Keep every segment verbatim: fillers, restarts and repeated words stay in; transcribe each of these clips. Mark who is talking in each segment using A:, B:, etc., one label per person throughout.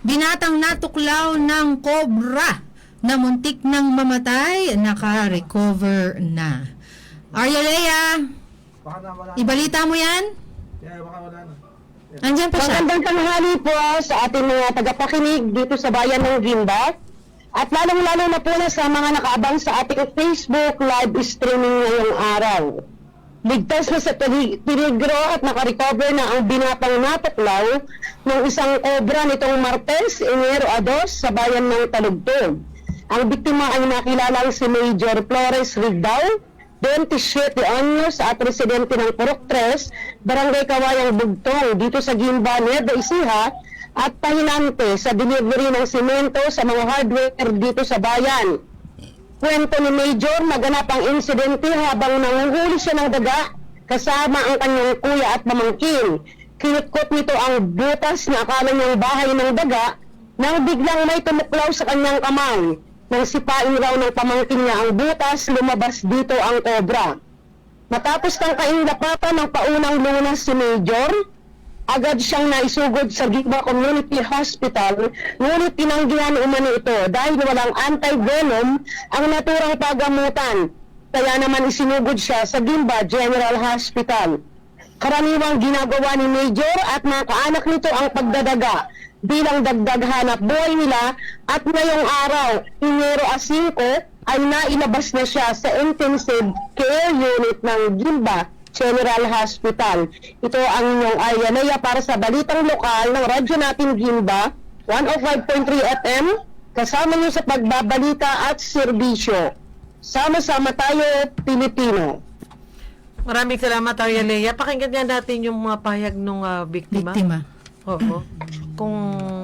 A: Binatang natuklaw ng cobra na muntik nang mamatay, naka-recover na. Arya Lea,
B: Baka na wala na.
A: ibalita mo yan?
B: Yeah, baka wala na.
A: Andyan pa siya.
C: Magandang tanghali po sa ating mga tagapakinig dito sa bayan ng Gimba. At lalong-lalo na po na sa mga nakaabang sa ating Facebook live streaming ngayong araw. Ligtas na sa peligro at nakarecover na ang binatang natuklaw ng isang cobra nitong Martes, Enero dos sa bayan ng Talugtog. Ang biktima ay nakilalang si Major Flores Rigdao, twenty-seven anyos at residente ng Purok tres, Barangay Kawayang Bugtong dito sa Gimba, Nueva Ecija at pahinante sa delivery ng simento sa mga hardware dito sa bayan. Kwento ni Major, naganap ang insidente habang nanguhuli siya ng daga kasama ang kanyang kuya at pamangkin. Kinutkot nito ang butas na akala niyang bahay ng daga nang biglang may tumuklaw sa kanyang kamay. Nang sipain raw ng pamangkin niya ang butas, lumabas dito ang cobra. Matapos ng kaindapatan ng paunang lunas si Major, agad siyang naisugod sa Gimba Community Hospital, ngunit tinanggihan umano ito dahil walang anti-venom ang naturang pagamutan. Kaya naman isinugod siya sa Gimba General Hospital. Karaniwang ginagawa ni Major at mga kaanak nito ang pagdadaga bilang dagdag hanap buhay nila at ngayong araw, Enero five, ay nailabas na siya sa intensive care unit ng Gimba General Hospital. Ito ang inyong Arya Lea para sa balitang lokal ng radyo natin Gimba, one oh five point three F M, kasama niyo sa pagbabalita at serbisyo. Sama-sama tayo, Pilipino.
D: Maraming salamat, Arya Lea. Pakinggan nga natin yung mga pahayag ng uh, biktima.
A: Biktima.
D: Oo. Kung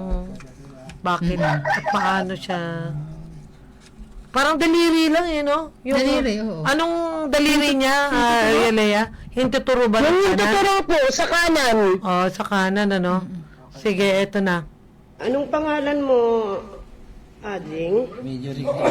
D: bakit at paano siya. Parang daliri lang eh, no? Yung,
A: Daliri, oo.
D: Anong daliri niya, uh, Arya Lea? Hintuturo ba ng
C: Yung
D: kanan?
C: tuturo po, sa kanan.
D: Oo, sa kanan, ano? Sige, eto na.
E: Anong pangalan mo, Ading?
F: Major Rico,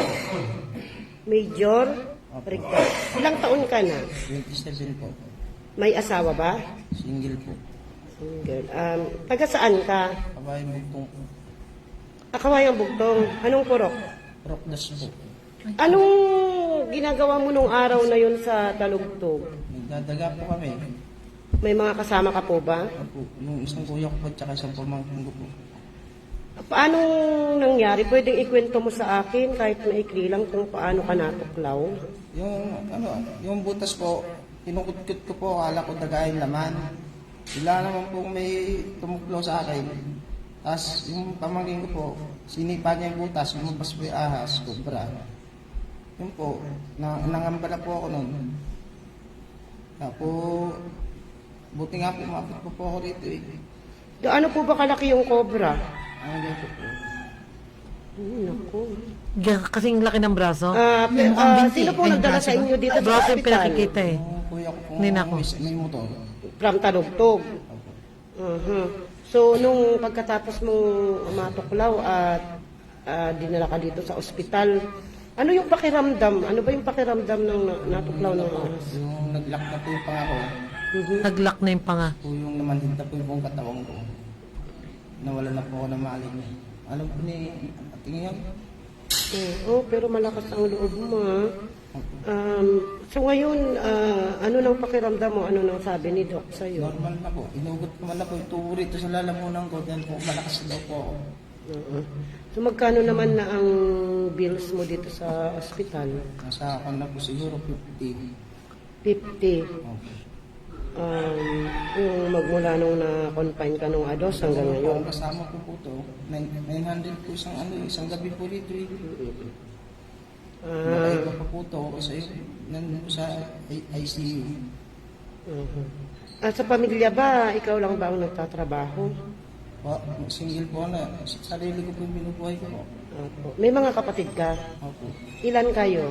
E: Major Rico. Ilang taon ka na?
F: twenty-seven po.
E: May asawa ba?
F: Single po.
E: Single. Um, taga saan ka?
F: Kabayan bugtong po.
E: Akawayang Bugtong. Anong purok?
F: Prokdas po.
E: Anong ginagawa mo nung araw na yun sa Talugtog?
F: Nagdadaga po kami.
E: May mga kasama ka po ba?
F: Opo, yung isang kuya ko po tsaka isang pamangkin ko po.
E: Paano nangyari? Pwedeng ikwento mo sa akin kahit maikli lang kung paano ka natuklaw?
F: Yung ano, yung butas po, kinukutkot ko po, akala ko dagahin laman. Sila naman po may tumuklaw sa akin. Tapos yung pamangkin ko po, sinipa niya yung butas, lumabas po yung ahas, cobra. Yun po, na, nangambala po ako nun. Tapos, buti nga po, mapit po po ako rito eh.
E: Gaano po ba kalaki yung cobra?
F: Ano ganito po?
E: Hmm, naku.
D: Diyan, kasing laki ng braso.
E: Ah, pe-
A: Yung mukhang
E: ah,
A: binti.
E: sino po
A: Ay,
E: nagdala
A: braso
E: sa
A: ba?
E: inyo dito sa
D: Braso yung
E: hospital?
D: pinakikita eh.
F: Yung kuya ko po,
D: Ninako.
F: may, may motor.
E: From Talugtog. Uh-huh. So, nung pagkatapos mong matuklaw at ah, dinala ka dito sa ospital, ano yung pakiramdam? Ano ba yung pakiramdam ng na- natuklaw ng ahas?
F: Yung nag-lock na po yung pangako,
E: Mhm.
D: Naglock na yung panga.
F: po yung namanhid na po yung buong katawan ko. Nawala na po ako ng maling. Alam po ni ating yan.
E: Eh, oh, pero malakas ang loob mo. ah. Um, so ngayon, ah, ano nang pakiramdam mo? Ano nang sabi ni Doc sa'yo?
F: Normal na po. Inugot ko man na po yung tubo rito sa lalamunan ko. Dahil po malakas daw po ako.
E: Oo. So magkano naman na ang bills mo dito sa ospital?
F: Nasa ako na po siguro fifty.
E: fifty.
F: Okay.
E: Um, yung magmula nung na-confine ka nung ados hanggang
F: Ang
E: ngayon.
F: kasama ko po to, nine hundred po isang ano, isang gabi po rito eh.
E: Ah,
F: Nakaiba pa po to kasi nandun po sa I C U.
E: uh At sa pamilya ba, ikaw lang ba ang nagtatrabaho?
F: Po, single po na, sarili ko po yung binubuhay ko po.
E: Opo. May mga kapatid ka?
F: Opo.
E: Ilan kayo?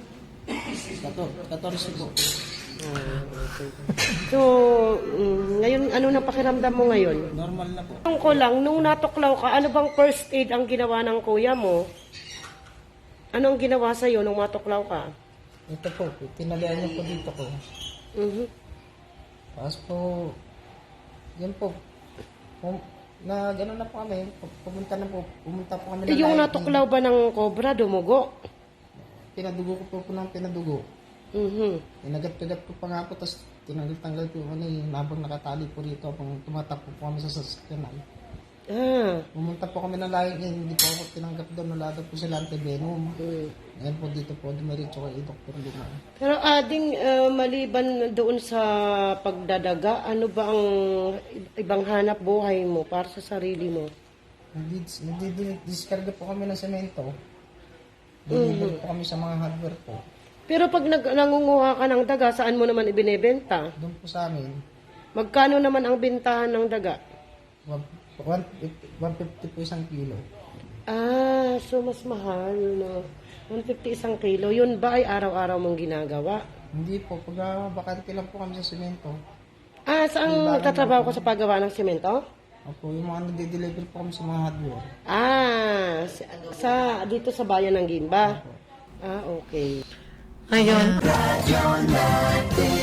F: Katorse po.
E: Ah, okay. So, mm, ngayon, ano nang pakiramdam mo ngayon?
F: Normal na po.
E: Tanong ko lang, nung natuklaw ka, ano bang first aid ang ginawa ng kuya mo? Ano ang ginawa sa'yo nung matuklaw ka?
F: Ito po, tinagayan niyo po dito ko.
E: Mhm.
F: Tapos po, yan po, pum- na gano'n na po kami, pumunta na po, pumunta po kami
E: Eh,
F: ng
E: yung
F: live.
E: natuklaw ba ng cobra, dumugo?
F: Pinadugo ko po po ng pinadugo.
E: Mhm.
F: Inagat-kagat ko pa nga po, tapos tinanggal-tanggal ko yung ano yung habang nakatali po rito, habang tumatakbo po kami sa sasakyanan.
E: Ah.
F: Pumunta po kami ng laing eh, hindi po ako tinanggap doon, wala daw po sila antivenom.
E: Mm.
F: Ngayon po dito po, dumiretso kay Doktor Lima.
E: Pero ading ah, maliban doon sa pagdadaga, ano ba ang ibang hanap buhay mo para sa sarili mo?
F: Hindi, hindi, diskarga po kami ng semento. Deliver po kami sa mga hardware po.
E: Pero pag nag nangunguha ka ng daga, saan mo naman ibinebenta?
F: Doon po sa amin,
E: Magkano naman ang bintahan ng daga?
F: one fifty po isang kilo.
E: Ah, so mas mahal, no? one fifty isang kilo. Yun ba ay araw-araw mong ginagawa?
F: Hindi po, pag uh, bakante lang po kami sa semento.
E: Ah, saan nagtatrabaho ko sa paggawa ng semento?
F: Opo, yung mga nade-deliver po kami sa mga hardware.
E: Ah, sa, sa dito sa bayan ng Gimba. Ah, okay.
D: Ayun.